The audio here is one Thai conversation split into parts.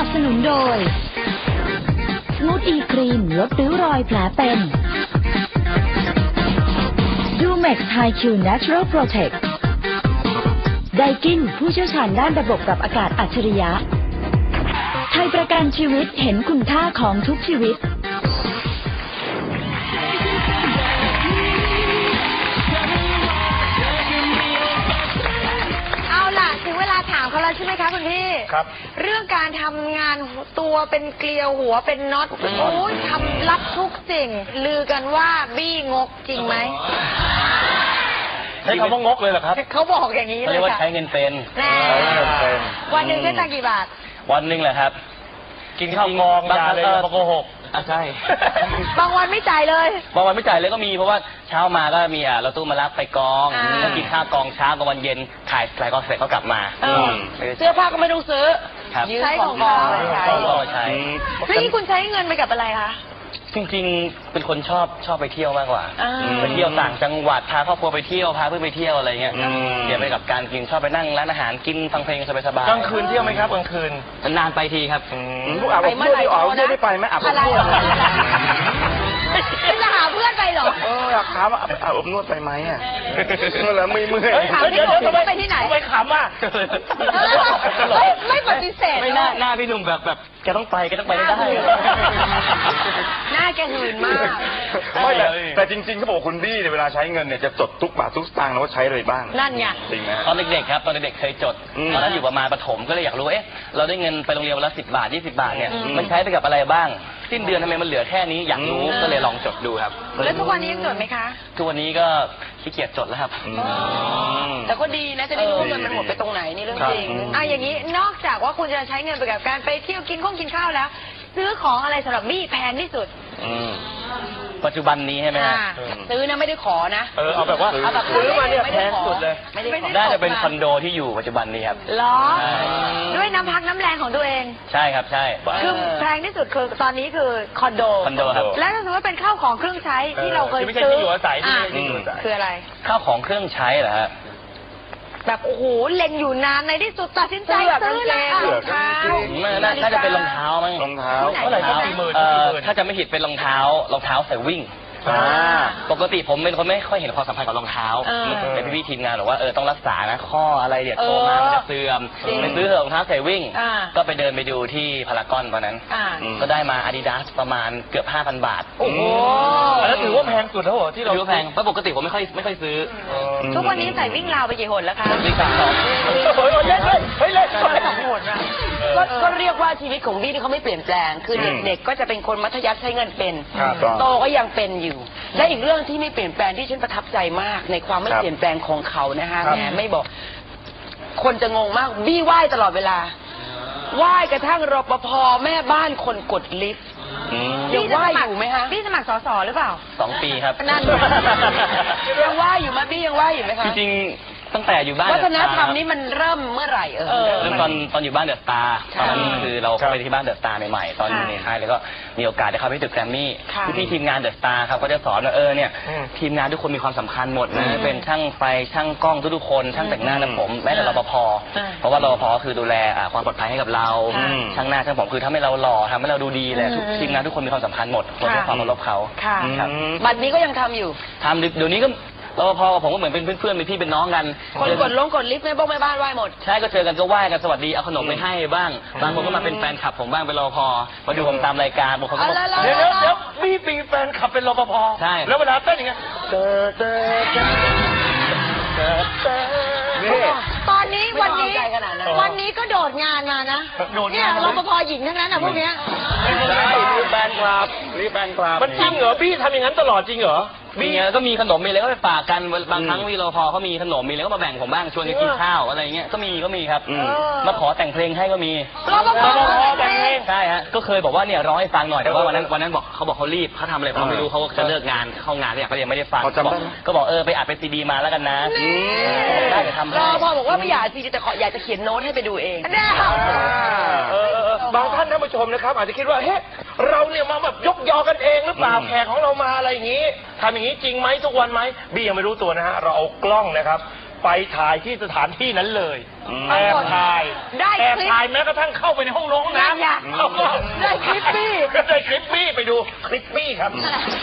นับสนุนโดยนูตอีครีมลดริ้วรอยแผลเป็นดูเม็กไฮคิวเนเชอรัลโปรเทคไดกินผู้เชี่ยวชาญด้านระบบปรับอากาศอัจฉริยะไทยประกันชีวิตเห็นคุณค่าของทุกชีวิตถึงเวลาถามเขาแล้วใช่ไหมคะคุณพี่ครับเรื่องการทำงานตัวเป็นเกลียวหัวเป็นน็อตโอ้ยทำรับทุกสิ่งลือกันว่าบี้งกจริงไหมใช้คำว่างกเลยเหรอครับเขาบอกอย่างนี้เลยค่ะเรียกว่าใช้เงินเป็นวันหนึ่งใช้ตังค์กี่บาทวันหนึ่งแหละครับกินข้าวกองยาเลยโกหกใช่บางวันไม่จ่ายเลยบางวันไม่จ่ายเลยก็มีเพราะว่าเช้ามาก็มีรถตู้มารับไปกองแล้วกินข้าวกองเช้ากับวันเย็นถ่ายกองเสร็จก็กลับมาเสื้อผ้าก็ไม่ต้องซื้อใช้ของกองใช้แล้วนี่คุณใช้เงินไปกับอะไรคะจริงๆเป็นคนชอบไปเที่ยวมากกว่าไปเที่ยวต่างจังหวัดพาครอบครัวไปเที่ยวพาเพื่อนไปเที่ยวอะไรเงี้ยเดี๋ยวไปกับการกินชอบไปนั่งร้านอาหารกินฟังเพลงสบายๆกลางคืนเที่ยวไหมครับกลางคืนนานไปทีครับไปเมื่อไหร่ได้ไปไหมอาบนวดจะหาเพื่อนไปเหรออยากถามอาบนวดไปไหมอ่ะเมื่อไหร่ไม่เมื่อยเดี๋ยวไปที่ไหนไปขำอ่ะไม่ปฏิเสธไม่หน้าพี่หนุ่มแบบแกต้องไปได้หน้าแกหื่นมากแต่จริงๆเขาบอกคุณบี้เนี่ยเวลาใช้เงินเนี่ยจะจดทุกบาททุกสตางค์นะว่าใช้อะไรบ้างนั่นไงจริงไหมตอนเด็กๆครับตอนเด็กๆเคยจดตอนนั้นอยู่ประมาณประถมก็เลยอยากรู้เราได้เงินไปโรงเรียนวันละ10 บาท20 บาทเนี่ยมันใช้ไปกับอะไรบ้างสิ้นเดือนทำไมมันเหลือแค่นี้อยากรู้ก็เลยลองจดดูครับแล้วทุกวันนี้ยังจดไหมคะทุกวันนี้ก็ขี้เกียจจดแล้วครับแต่ก็ดีนะจะได้รู้ว่าเงินมันหมดไปตรงไหนนี่เรื่องจริงอย่างนี้นอกจากว่าคุณจะใช้เงินไปกับการไปเที่ยวกินข้าวแล้วซื้อของอะไรสำหรับบี้แพงที่สุดปัจจุบันนี้ใช่ไหมฮะซื้อนะไม่ได้ขอนะเอาแบบว่าซื้อมาเนี่ยแพงสุดเลยน่าจะเป็นคอนโดที่อยู่ปัจจุบันนี้ครับหรอด้วยน้ำพักน้ำแรงของตัวเองใช่ครับใช่คือแพงที่สุดคือตอนนี้คือคอนโดครับแล้วถ้าสมมติว่าเป็นข้าวของเครื่องใช้ที่เราเคยซื้อคืออะไรข้าวของเครื่องใช้เหรอฮะแบบโอ้โหเล็งอยู่นานในที่สุดตัดสินใจซื้อแล้วรองเท้าน่าจะเป็นรองเท้ามั้งรองเท้าถ้าจะไม่ผิดเป็นรองเท้าใส่วิ่งปกติผมเป็นคนไม่ค่อยเห็นความสำคัญกับรองเท้าแต่พี่ทีมงานบอกว่าต้องรักษานะข้ออะไรเดี๋ยวโตมามันจะเสื่อมไปซื้อรองเท้าใส่วิ่งก็ไปเดินไปดูที่พารากอนตอนนั้นก็ได้มา Adidas ประมาณเกือบ 5,000 บาทโอ้โหแล้วถือว่าแพงสุดแล้วเหรอที่เราแพงเพราะปกติผมไม่ค่อยซื้อทุกวันนี้ใส่วิ่งราวไปกี่หนแล้วคะวิ่ง3 2หนนะก็เรียกว่าชีวิตของบี้ที่เขาไม่เปลี่ยนแปลงคือเด็กๆก็จะเป็นคนมัธยัสถ์ใช้เงินเป็นโตก็ยังเป็นอยู่และอีกเรื่องที่ไม่เปลี่ยนแปลงที่ฉันประทับใจมากในความไม่เปลี่ยนแปลงของเขานะคะแหมไม่บอกคนจะงงมากบี้ไหว้ตลอดเวลาไหว้กระทั่งรปภแม่บ้านคนกดลิฟต์ยังไหว้อยู่ไหมคะบี้สมัครสสหรือเปล่า 2 ปีครับนั่นยังไหว้อยู่ไหมบี้ยังไหว้อยู่ไหมคะจริงตั้งแต่อยู่บ้านวัฒนธรรมนี้มันเริ่มเมื่อไหร่เริ่มตอนอยู่บ้านเดอะสตาร์ตอนนั้นคือเราเข้าไปที่บ้านเดอะสตาร์ใหม่ๆตอนอยู่ในค่ายแล้วก็มีโอกาสได้เข้าไปตึกแกรมมี่พี่ทีมงานเดอะสตาร์ครับก็จะสอนว่าเนี่ยทีมงานทุกคนมีความสำคัญหมดนะเป็นช่างไฟช่างกล้องทุกคนช่างแต่งหน้าและผมแม้แต่รปภเพราะว่ารปภคือดูแลความปลอดภัยให้กับเราช่างหน้าช่างผมคือทำให้เราหล่อทำให้เราดูดีเลยทีมงานทุกคนมีความสำคัญหมดควรให้ความเคารพเขาบัดนี้ก็ยังทำอยู่ทำเดี๋ยวนี้ก็รปภผมก็เหมือนเป็นเพื่อนเป็นพี่เป็นน้องกันคนกดลิฟต์แม่บ้านไหว้หมดใช่ก็เจอกันก็ไหว้กันสวัสดีเอาขนมไปให้บ้างบางคนก็มาเป็นแฟนคลับผมบ้างเป็นรปภมาดูผมตามรายการบางคนก็บอกเดี๋ยวพี่ปีแฟนคลับเป็นรปภใช่แล้วเวลาเต้นยังไงตอนนี้วันนี้ก็โดดงานมานะเนี่ยรปภหญิงทั้งนั้นพวกเนี้ยนี่แฟนคลับมันจริงเหรอพี่ทำอย่างนั้นตลอดจริงเหรอมีก็มีขนมมีอะไรก็ไปฝากกันบางครั้งวีรพเขามีขนมมีอะไรก็มาแบ่งผมบ้างชวนกันกินข้าวอะไรเงี้ยก็มีครับมาขอแต่งเพลงให้ก็มีรปภแต่งเพลงใช่ฮะก็เคยบอกว่าเนี่ยร้องให้ฟังหน่อยแต่ว่าวันนั้นบอกเขารีบเขาทำอะไรเขาไม่รู้เขาจะเลิกงานเข้างานเนี่ยก็ยังไม่ได้ฟังก็บอกไปอัดเป็นซีดีมาแล้วกันนะได้จะทำให้รปภบอกว่าไม่อยากซีดีแต่อยากจะเขียนโน้ตให้ไปดูเองบางท่านผู้ชมนะครับอาจจะคิดว่าเฮ้เราเนี่ยมาแบบยกยอกันเองหรือเปล่าแขกของเรามาอะไรอย่างนี้ทำอย่างนี้จริงไหมทุกวันไหมบี้ยังไม่รู้ตัวนะฮะเราเอากล้องนะครับไปถ่ายที่สถานที่นั้นเลยปราแอบกฏถ่ายได้คลิปแอบถ่ายแม้กระทั่งเข้าไปในห้องน้ำนั่นไงได้คลิปปี้ก็ได้คลิปปี้ไปดูคลิปปี้ครับ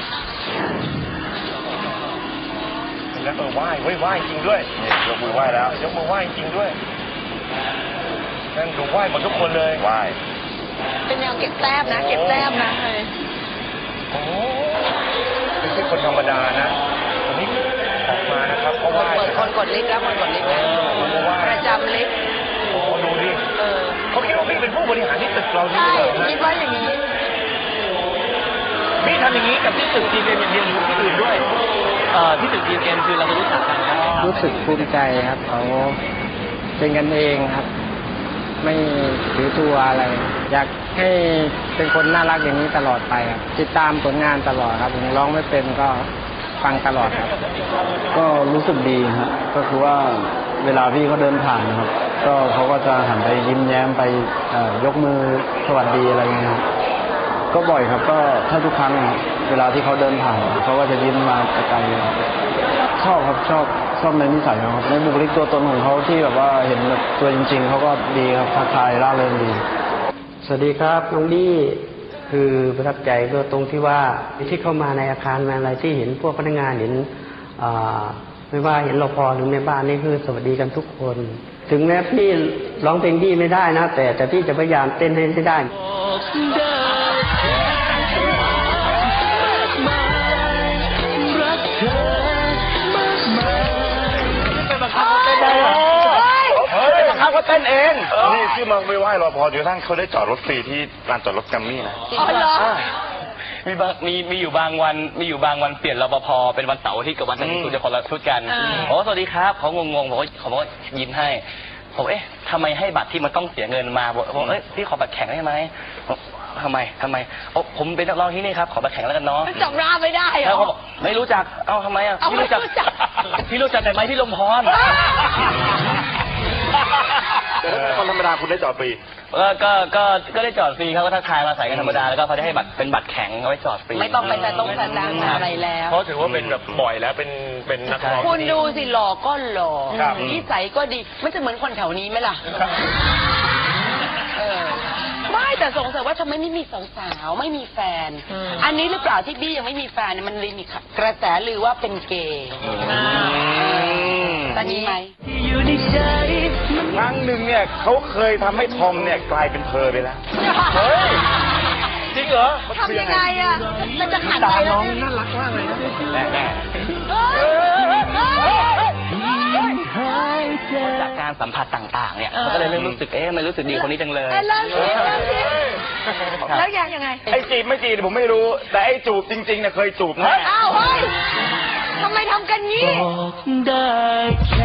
แล้วไหว้จริงด้วยนี่ยกมือไหว้แล้วยกมือไหว้จริงด้วยนั่นดูไหว้หมดทุกคนเลยไหว้เป็นแนวเก็บแต้มนะเก็บแต้มนะโอ้ไม่ใช่คนธรรมดานะคนนี้ออกมานะครับเขาไหว้คนกดลิฟต์แล้วคนกดลิฟต์แล้วประจำลิฟต์โอ้ดูดิเขาคิดว่าพี่เป็นผู้บริหารที่ตึกเราที่ใช่นี่คิดว่าอย่างนี้พี่ทำอย่างนี้กับที่ตึกจีเอ็มอย่างเดียวหรือที่อื่นด้วยที่ตึก GM คือเราจะรู้จักกันนะรู้สึกภูมิใจครับเขาเป็นกันเองครับ ไม่ถือตัวอะไร อยากให้เป็นคนน่ารักอย่างนี้ตลอดไปครับติดตามผลงานตลอดครับถึงร้องไม่เป็นก็ฟังตลอดครับก็รู้สึกดีครับก็คือว่าเวลาพี่เขาเดินผ่านนะครับก็เขาก็จะหันไปยิ้มแย้มไปยกมือสวัสดีอะไรเงี้ยครับก็บ่อยครับก็ถ้าทุกครั้งเวลาที่เขาเดินผ่านเขาก็จะยิ้มมาไกลๆครับชอบครับชอบในนิสัยเขาครับในบุคลิกตัวตนของเขาที่แบบว่าเห็นแบบตัวจริง ๆเขาก็ดีครับทักทายร่าเริงดีสวัสดีครับน้องดี้คือประทับใจก็ตรงที่ว่าที่เข้ามาในอาคารมาอะไรที่เห็นพวกพนักงานเห็นไม่ว่าเห็นรปภหรือแม่บ้านนี่คือสวัสดีกันทุกคน ถึงแม้พี่ร้องเพลงดี้ไม่ได้นะแต่พี่จะพยายามเต้นให้ได้บังคับเขาเต้นเองนี่ชื่อมาไม่ไหว้รอพอจนกระทั่งเขาได้จอดรถฟรีที่ลานจอดรถแกรมมี่นะอ๋อเหรอมีอยู่บางวันเปลี่ยนรปภเป็นวันเสาร์อาทิตย์กับวันอาทิตย์คุณจะคนละชุดกันโอ้สวัสดีครับเขางงๆผมก็ยิ้มให้ผมทำไมให้บัตรที่มันต้องเสียเงินมาบอกพี่ขอบัตรแข็งได้ไหมทำไมผมเป็นนักร้องที่นี่ครับขอบัตรแข็งแล้วกันเนาะจำหน้าไม่ได้เหรแล้วอเขาบอกไม่รู้จักทำไมพี่รู้จักแต่ไหมพี่ลมพรแต่ถ้าเป็นคนธรรมดาคุณได้จอดฟรีก็ได้จอดฟรีเขาก็ทักทายมาใส่กันธรรมดาแล้วก็เขาได้ให้บัตรเป็นบัตรแข็งเอาไว้จอดฟรีไม่ต้องไปแต่ต้องแสดงอะไรแล้วเพราะถือว่าเป็นแบบบ่อยแล้วเป็นนักร้องคุณดูสิหล่อก็หล่อครับนิสัยก็ดีมันจะเหมือนคนแถวนี้ไหมล่ะไม่แต่สงสัยว่าทำไมไม่มีสาวๆไม่มีแฟน อันนี้หรือเปล่าที่บี้ยังไม่มีแฟนเนี่ยมันเลยมีกระแสลือว่าเป็นเกย์ตอนนี้ไหมครั้งหนึ่งเนี่ยเขาเคยทำให้ทอมเนี่ยกลายเป็นเพอไปแล้วเฮ้ยจริงเหรอทำยังไงอ่ะมันจะหันไปน้องน่ารักมากเลยนะจากการสัมผัสต่างๆเนี่ยมันก็เลยเริ่มรู้สึกมันรู้สึกดีคนนี้จังเลยแล้วยังไงไอ้จีบไม่จีบผมไม่รู้ แต่ไอ้จูบจริงๆเนี่ยเคยจูบแน่อ้าวเฮ้ยทำไมทำกันงี้ได้